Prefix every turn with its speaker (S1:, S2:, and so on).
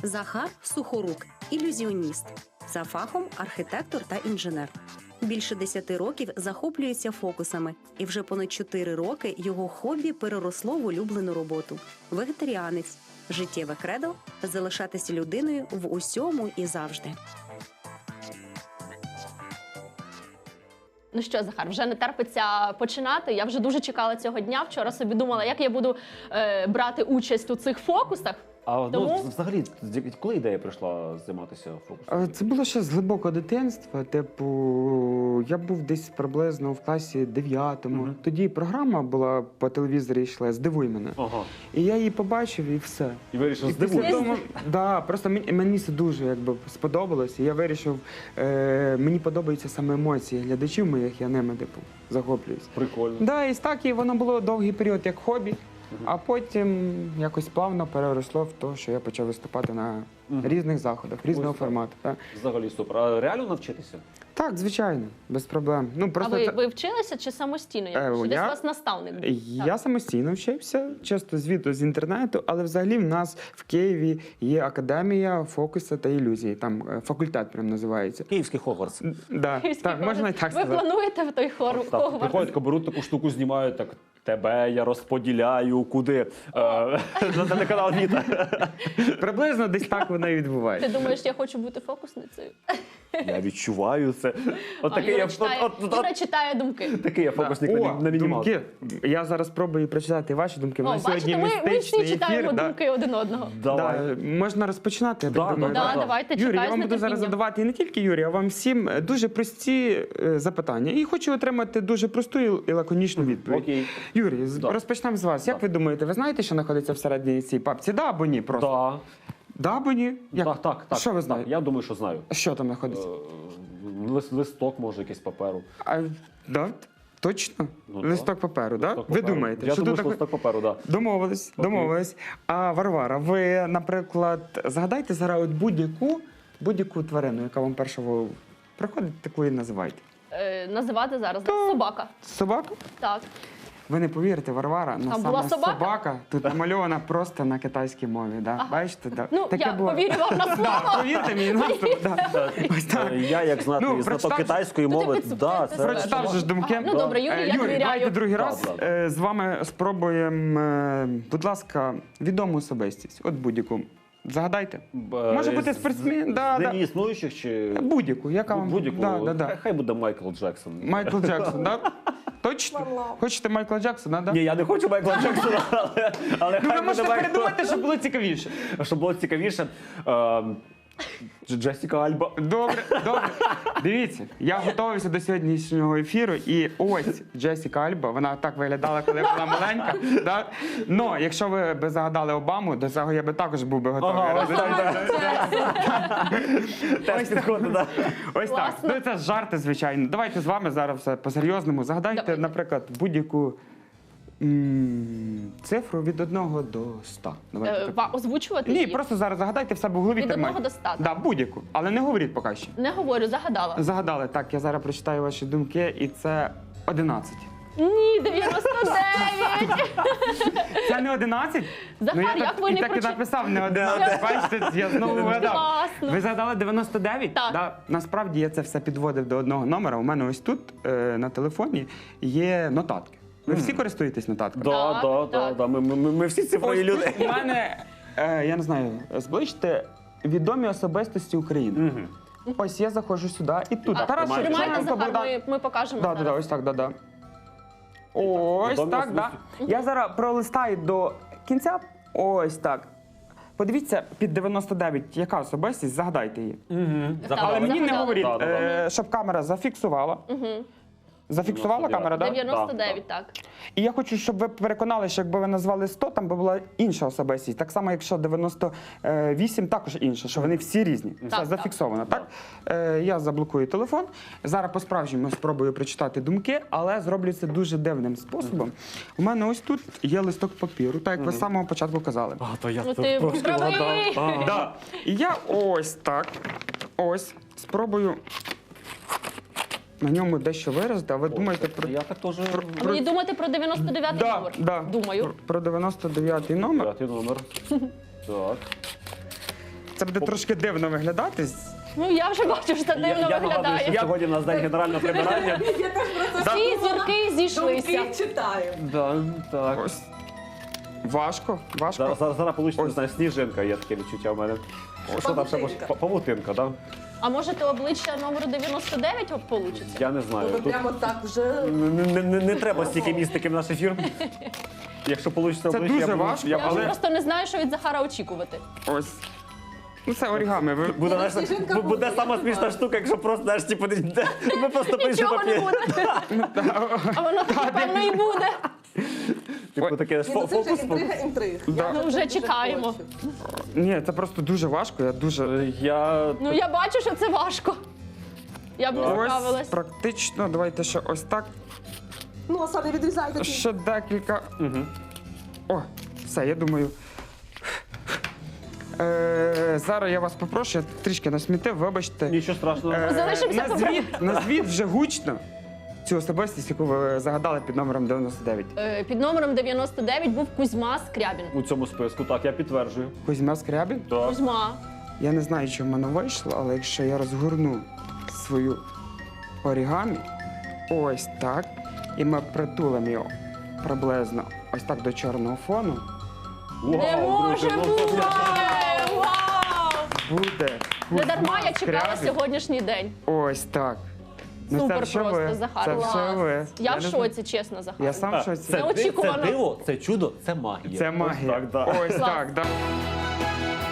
S1: Захар Сухорук – ілюзіоніст. За фахом архітектор та інженер. Більше 10 років захоплюється фокусами, і вже понад 4 роки його хобі переросло в улюблену роботу. Вегетаріанець. Життєве кредо – залишатися людиною в усьому і завжди.
S2: Ну що, Захар, вже не терпиться починати. Я вже дуже чекала цього дня. Вчора собі думала, як я буду брати участь у цих фокусах.
S3: А
S2: Тому-
S3: взагалі, коли ідея прийшла займатися фокусом?
S4: Це було ще з глибокого дитинства. Типу, я був десь приблизно в класі 9-му.
S3: Мгм.
S4: Тоді програма була по телевізорі йшла «Здивуй мене».
S3: Ага.
S4: І я її побачив, і все.
S3: І вирішив
S4: І після
S3: здивуватися.
S4: того, да, просто мені це дуже сподобалось. І я вирішив, мені подобаються саме емоції глядачів моїх, я ними захоплююсь.
S3: Прикольно.
S4: Да, і так, і воно було довгий період як хобі, а потім якось плавно переросло в те, що я почав виступати на різних заходах, різного
S3: Ось так.
S4: формату. Так.
S3: Взагалі супер. А реально навчитися?
S4: Так, звичайно, без проблем. Ну,
S2: А
S4: просто
S2: ви вчилися чи самостійно? Чи десь у вас наставник був?
S4: я самостійно вчився, часто звідти з інтернету, але взагалі в нас в Києві є академія фокусу та ілюзії. Там факультет прям називається.
S3: Київський Хогвартс.
S4: Да, так, можна і так
S2: Ви
S4: сказати.
S2: плануєте в той
S3: Так,
S2: Хогвартс?
S3: приходять, беруть таку штуку, знімають, так, тебе я розподіляю, куди? На телеканал Віта.
S4: Приблизно десь так воно і
S2: Ти
S4: відбувається.
S2: думаєш, я хочу бути фокусницею?
S3: Я відчуваю це. От такий
S2: Юра
S3: я
S2: читає, Юра читає думки.
S3: такий я фокусник
S4: О,
S3: на мінімалку.
S4: думки. Я зараз спробую прочитати ваші думки. У
S2: О,
S4: нас сьогодні
S2: бачите, ми всі
S4: містичний
S2: читаємо
S4: ефір.
S2: думки один одного.
S3: Давай.
S4: Да, можна розпочинати, я
S3: Да,
S4: так думаю.
S3: да,
S2: Да,
S3: да.
S2: давайте,
S4: Юрій, я
S2: чекаю з
S4: вам буду зараз
S2: нетерпінням.
S4: задавати і не тільки Юрій, а вам всім дуже прості запитання. І хочу отримати дуже просту і лаконічну відповідь.
S3: Окей.
S4: Юрій,
S3: Да.
S4: розпочнемо з вас. Як
S3: Да.
S4: ви думаєте, ви знаєте, що знаходиться всередині цієї папці? Да або ні? Просто.
S3: Да.
S4: Да або ні? Як?
S3: Так.
S4: Що ви
S3: Так,
S4: знаєте?
S3: я думаю, що знаю.
S4: Що там знаходиться?
S3: Листок, може, якийсь паперу.
S4: Да? Точно?
S3: Ну,
S4: Листок паперу, да?
S3: Листок
S4: Ви
S3: паперу.
S4: думаєте,
S3: Я
S4: що
S3: думаю,
S4: тут
S3: що
S4: таке?
S3: листок паперу, так.
S4: Домовились,
S3: Окей.
S4: домовились. А Варвара, ви, наприклад, згадайте зараз от будь-яку тварину, яка вам перша в голову приходить, таку і називайте.
S2: Називати зараз собака.
S4: Собака?
S2: Так.
S4: Ви не повірите, Варвара,
S2: Там була собака?
S4: собака тут намальована просто на китайській мові. Да?
S2: Ага.
S4: Бачите? Да.
S2: Ну, я повірю вам на
S4: Да,
S2: слово.
S4: повірте мені, наступ, да. Ось так.
S3: Я, як знати,
S4: Ну,
S3: знаток
S4: прочитав-
S3: китайської
S2: Ну, ти
S3: мови,
S2: підсу-
S3: да,
S2: ти
S3: це...
S4: Прочитав же ж думки.
S2: Ага, ну, добре, Юрій, я
S4: Юрій,
S2: довіряю.
S4: давайте другий раз
S3: Да.
S4: з вами спробуємо, будь ласка, відому особистість. От будь-яку. Загадайте. Може бути спортсмен, да,
S3: З
S4: да.
S3: нині існуючих чи...
S4: Будь-яку, яка вам...
S3: Будь-яку.
S4: Да, да.
S3: Хай буде Майкл Джексон.
S4: Майкл Джексон, да? Точно? Хочете Майкла Джексона, да?
S3: Ні, я не хочу Майкла Джексона, але
S4: Ну, ви
S3: хай буде
S4: можете
S3: Майкл.
S4: передумати, щоб було цікавіше.
S3: Щоб було цікавіше. Джесіка Альба.
S4: Добре, добре. Дивіться, я готувався до сьогоднішнього ефіру, і ось Джесіка Альба, вона так виглядала, коли була маленька. Да? Но якщо ви б загадали Обаму, до цього я би також був би готовий.
S3: Ага, ось
S4: Розумієте?
S3: Теж підходить, так.
S4: Ось так.
S2: Класно.
S4: Ну це жарти, звичайно. Давайте з вами зараз все по-серйозному. Загадайте,
S2: Давайте.
S4: наприклад, будь-яку цифру від 1 до 100. Давайте так.
S2: Озвучувати
S4: Ні,
S2: її?
S4: просто зараз загадайте в себе в голові.
S2: Від
S4: тримайте.
S2: 1 до 100,
S4: Да, будь-яку. Але не говоріть поки що.
S2: Не говорю, загадала.
S4: Загадали. Так, я зараз прочитаю ваші думки, і це 11.
S2: Ні, 99!
S4: Це не 11?
S2: Захар,
S4: я
S2: як
S4: так,
S2: ви
S4: і
S2: не
S4: так і
S2: прочитали?
S4: написав, не 11. Бачите, я знову вгадав.
S2: Класно.
S4: Ви загадали 99?
S2: Так.
S4: Да. Насправді я це все підводив до одного номера. У мене ось тут на телефоні є нотатки. Ви всі користуєтесь нотатками?
S2: Так.
S3: Ми всі цифрові
S4: Ось
S3: люди.
S4: тут у мене, я не знаю, зближте відомі особистості України. Ось я заходжу сюди і тут.
S2: А,
S4: Тарас
S3: тримайте,
S2: Тримайте,
S4: Шевченко,
S2: Захар,
S4: Богдан.
S2: ми покажемо
S4: Да,
S2: зараз.
S4: ось так, да. Ось
S3: Відомі
S4: так, да. Я зараз пролистаю до кінця. Ось так. Подивіться, під 99, яка особистість, загадайте її.
S2: Так,
S4: Але мені не
S2: загадали.
S4: говоріть,
S3: Да.
S4: щоб камера зафіксувала. Зафіксувала
S3: 99.
S4: камера, так? Да?
S2: 99, так.
S4: І я хочу, щоб ви переконали, що якби ви назвали 100, там би була інша особистість. Так само, якщо 98, також інша, що вони всі різні. Це
S2: Так,
S4: зафіксовано, так? Я заблокую телефон. Зараз по-справжньому спробую прочитати думки, але зроблю це дуже дивним способом. У мене ось тут є листок папіру, так як ви з самого початку казали.
S3: То я
S2: Ну, ти правий.
S4: Да. І я ось так, спробую на ньому дещо виразити, а ви думаєте про...
S3: Я так теж...
S2: А мені думати про 99 номер?
S4: Да.
S2: Думаю.
S4: Про 99-й номер.
S3: П'ятий номер. Так.
S4: Це буде трошки дивно виглядати.
S2: Ну я вже бачу, що це дивно
S3: Я нагадую,
S2: виглядає.
S3: що сьогодні в нас день генерального прибирання.
S2: Всі зірки зійшлися.
S5: читаю.
S3: Да, так.
S4: Ось. Важко, важко.
S3: Зараз вийде, не знаю, сніжинка, є таке відчуття в мене. Що там ще може?
S5: Павутинка.
S3: Павутинка, так?
S2: А може то обличчя номеру 99 вийде?
S3: Я не знаю.
S5: Ви
S3: Тут
S5: прямо так вже.
S3: не треба стільки містики в наш ефір. Якщо вийде
S4: Це
S3: обличчя,
S4: дуже
S3: я буду-
S4: важко,
S3: я
S2: Я вже
S3: буду-
S2: просто не знаю, що від Захара очікувати.
S4: Ось. Ну це орігамі. Ви...
S3: Буде, знаєш,
S5: Сніжинка
S3: буде
S5: буде,
S3: сама
S5: я
S3: смішна
S5: знаю.
S3: штука, якщо просто, знаєш, типу, ми просто пишемо
S2: Нічого не буде. А воно напевно і буде.
S3: Типу таке
S5: Ні, ну це вже
S3: фокус.
S5: інтрига.
S4: Да.
S2: Ну, вже
S5: дуже
S2: чекаємо.
S5: хочу.
S4: Ні, це просто дуже важко. Я дуже.
S3: Я
S2: Ну я бачу, що це важко. Я б не
S4: Ось
S2: справилась.
S4: практично. Давайте ще ось так.
S5: Ну, а саме відрізайте.
S4: Ще декілька. О, все, я думаю. Зараз я вас попрошу, я трішки насмітив, вибачте.
S3: нічого страшного.
S2: Залишимося
S4: Назвіть вже гучно цю особистість, яку ви загадали під номером 99.
S2: Під номером 99 був Кузьма Скрябін.
S3: У цьому списку, так, я підтверджую.
S4: Кузьма Скрябін?
S3: Так.
S2: Кузьма.
S4: Я не знаю, чи в мене вийшло, але якщо я розгорну свою орігамі, ось так, і ми притулимо його приблизно ось так до чорного фону,
S2: Не
S3: Вау,
S2: може
S3: друзі, ну,
S2: бути! Вау!
S4: буде
S2: Не
S4: Кузьма
S2: дарма я чекала
S4: Скрябін.
S2: сьогоднішній день.
S4: Ось так. Ну,
S2: Супер
S4: це все
S2: просто,
S4: ви.
S2: Захар.
S4: Це
S2: Клас.
S4: все ви.
S2: Я в
S4: не знаю.
S2: шоці, чесно, Захар.
S4: Я сам в шоці.
S2: Це- Неочікувано.
S3: Це диво, це чудо, це магія.
S4: Це магія.
S3: Ось так, да.
S4: Ось
S2: Клас.
S4: так, да.